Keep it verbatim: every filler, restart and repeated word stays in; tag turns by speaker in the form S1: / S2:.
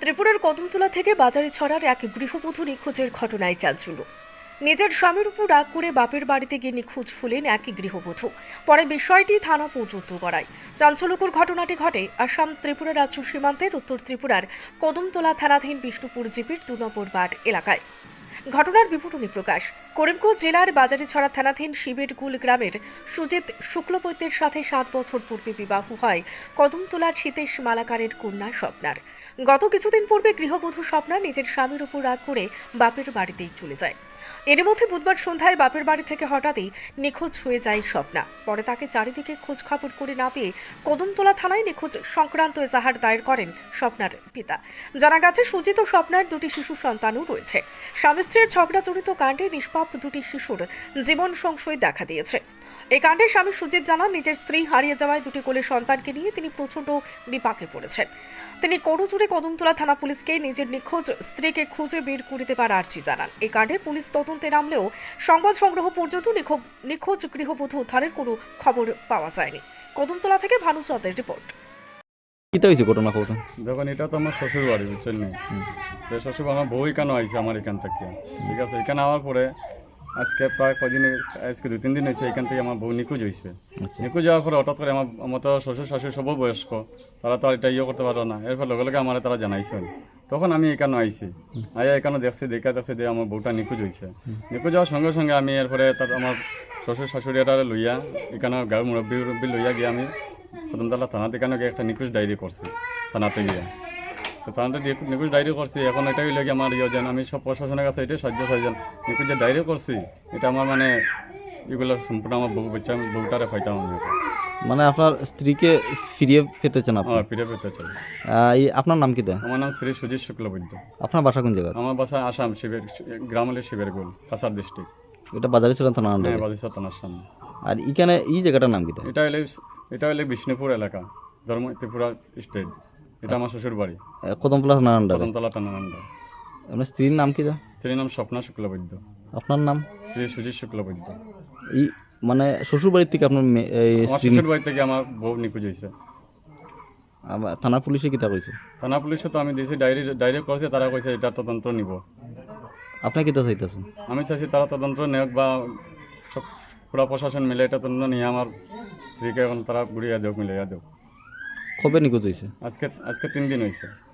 S1: ত্রিপুরার কদমতলা থেকে বাজারে ছড়ার এক গৃহবধূ নিখোঁজের ঘটনায় চাঞ্চল্য। নিজের স্বামীর উপর রাগ করে বাপের বাড়িতে গিয়ে নিখোঁজ হলেন এক গৃহবধূ। পরে বিষয়টি থানা পর্যন্ত গড়ায়। চাঞ্চল্যকর ঘটনাটি ঘটে আসাম ত্রিপুরা রাজ্য সীমান্তের উত্তর ত্রিপুরার কদমতলা থানাধীন বিষ্ণুপুর জিপির দু নম্বর ওয়ার্ড এলাকায়। ঘটনার বিবরণী প্রকাশ। করিমগঞ্জ জেলার বাজারিছড়া থানাধীন শিবেরগুল গ্রামের সুজিত শুক্লবৈদ্যের সাথে সাত বছর পূর্বে বিবাহ হয় কদমতলার শীতেশ মালাকারের কন্যা স্বপ্নার। গত কিছুদিন পূর্বে গৃহবধূ স্বপ্না নিজের স্বামীর উপর রাগ করে বাপের বাড়িতেই চলে যায়। এর মধ্যে বুধবার সন্ধ্যায় বাপের বাড়ি থেকে হঠাৎই নিখোঁজ হয়ে যায় স্বপ্না। পরে তাকে চারিদিকে খোঁজ খবর করে না পেয়ে কদমতলা থানায় নিখোঁজ সংক্রান্ত এজাহার দায়ের করেন স্বপ্নার পিতা। জানা গেছে, সুজিত ও স্বপ্নার দুটি শিশু সন্তানও রয়েছে। স্বামী স্ত্রীর ঝগড়াজড়িত কাণ্ডে নিষ্পাপ দুটি শিশুর জীবন সংশয় দেখা দিয়েছে। এই কাণ্ডে স্বামী সুজিত জানান, নিজের স্ত্রী হারিয়ে যাওয়ায় দুটি কোলে সন্তানকে নিয়ে তিনি প্রচণ্ড বিপাকে পড়েছেন। তিনি করজোড়ে কদমতলা থানা পুলিশকে নিজের নিখোঁজ স্ত্রীকে খুঁজে বের করতে পারার আর্জি জানান। এই কাণ্ডে পুলিশ তদন্তে নামলেও সংবাদ সংগ্রহ পর্যন্ত নিখোঁজ গৃহবধূ উদ্ধারের কোনো খবর পাওয়া যায়নি। কদমতলা থেকে ভানু চৌধুরীর রিপোর্ট।
S2: কিতা হয়েছে ঘটনা খবর?
S3: দেখুন, এটা তো আমার শ্বশুর বাড়ি, বুঝছেন না? শ্বশুর আমার বউ এখানে আইছে আমার এখান থেকে, ঠিক আছে? এখানে আওয়ার পরে আজকে প্রায় কদিন, আজকে দু তিন দিন হয়েছে এখান থেকে আমার বউ নিখোঁজ হয়েছে। নিখোঁজ যাওয়ার পরে হঠাৎ করে আমার আমার তো শ্বশুর শাশুড়ি সবও বয়স্ক, তারা তো আর এটা ইয়ে করতে পারো না। এরপর লগে লগে আমার তারা জানাইছেন। তখন আমি এখানে আইছি, আইয়া এখানে দেখছি, দেখা দেখছি যে আমার বউটা নিখোঁজ হয়েছে। নিখোঁজ যাওয়ার সঙ্গে সঙ্গে আমি এরপরে তার আমার শ্বশুর শাশুড়ি এটা লইয়া এখানে গাঁর মুরব্বী মুরব্বী লইয়া গিয়ে আমি কদমতলা থানাতে এখানে গিয়ে একটা নিখোঁজ ডায়েরি করছি থানাতে গিয়ে। তো থানাতে নিখোঁজ ডায়েরি করছি। এখন এটাই লাগে আমার ইয়ে যেন আমি সব প্রশাসনের কাছে এটাই সাহায্য চাইছেন। নিখোঁজ যে ডায়েরি করছি এটা আমার মানে এগুলো সম্পূর্ণ আমার বউ বাচ্চা বউটারে পাইতাম আমি।
S2: মানে আপনার স্ত্রীকে ফিরিয়ে পেতে চান আপনি?
S3: হ্যাঁ, ফিরে পেতে চাই।
S2: এই আপনার নাম কি?
S3: আমার নাম শ্রী সুজিত শুক্লবৈদ্য।
S2: আপনার বাসা কোন জায়গা?
S3: আমার বাসা আসাম শিবের গ্রাম হলে শিবেরগুল, কাছাড় ডিস্ট্রিক্ট।
S2: এটা বাজারিছড়া থানা আন্ডারে?
S3: হ্যাঁ, বাজারিছড়া থানার সামনে।
S2: আর এখানে এই জায়গাটার নাম কি?
S3: এটা হলে এটা হলে বিষ্ণুপুর এলাকা, ধর্ম ত্রিপুরা স্টেট। এটা আমার শ্বশুর বাড়ি,
S2: কদমতলা থানা আন্ডারে।
S3: কদমতলা থানার আন্ডার।
S2: আপনার স্ত্রীর নাম কি?
S3: স্ত্রীর নাম স্বপ্না শুক্লবৈদ্য।
S2: আপনার নাম?
S3: শ্রী সুজিত শুক্লবৈদ্য।
S2: এই মানে শ্বশুর বাড়ির থেকে আপনার
S3: আমার শ্বশুর বাড়ি থেকে আমার বউ নিখোঁজ হয়েছে।
S2: থানা পুলিশে কিতা কইছে?
S3: থানা পুলিশে তো আমি দিয়েছি ডায়েরি ডায়েরি করছে, তারা কইছে এটা তদন্ত নিব।
S2: আপনি কিতা চাইতেছেন?
S3: আমি চাইছি তারা তদন্ত নেওক বা সব পুরা প্রশাসন মিলে এটা তদন্ত নিয়ে আমার স্ত্রীকে এখন তারা ঘুরিয়ে দেওক, মিলাইয়া দেওক।
S2: কবে নিখোঁজ হয়েছে?
S3: আজকে আজকে তিন দিন হয়েছে।